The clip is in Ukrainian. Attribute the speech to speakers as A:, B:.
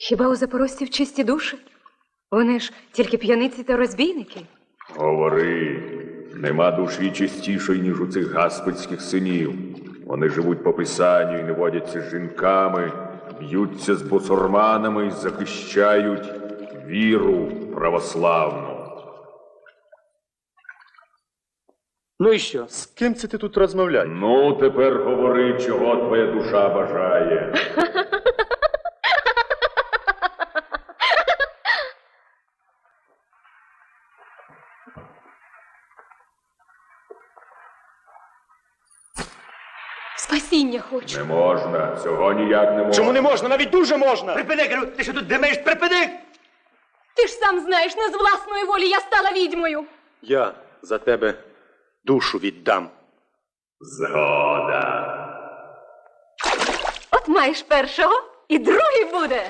A: Хіба у запорожців чисті душі? Вони ж тільки п'яниці та розбійники.
B: Говори, нема душі чистішої, ніж у цих гаспицьких синів. Вони живуть по писанню і не водяться з жінками, б'ються з бусурманами і захищають віру православну.
C: Ну і що?
D: З ким це ти тут розмовляєш?
B: Ну, тепер говори, чого твоя душа бажає.
A: Спасіння хочу.
B: Не можна, цього ніяк не можна.
D: Чому не можна? Навіть дуже можна!
C: Припини, кажу, ти що тут димиш? Припини!
A: Ти ж сам знаєш, не з власної волі я стала відьмою.
D: Я за тебе душу віддам.
B: Згода.
A: От маєш першого, і другий буде.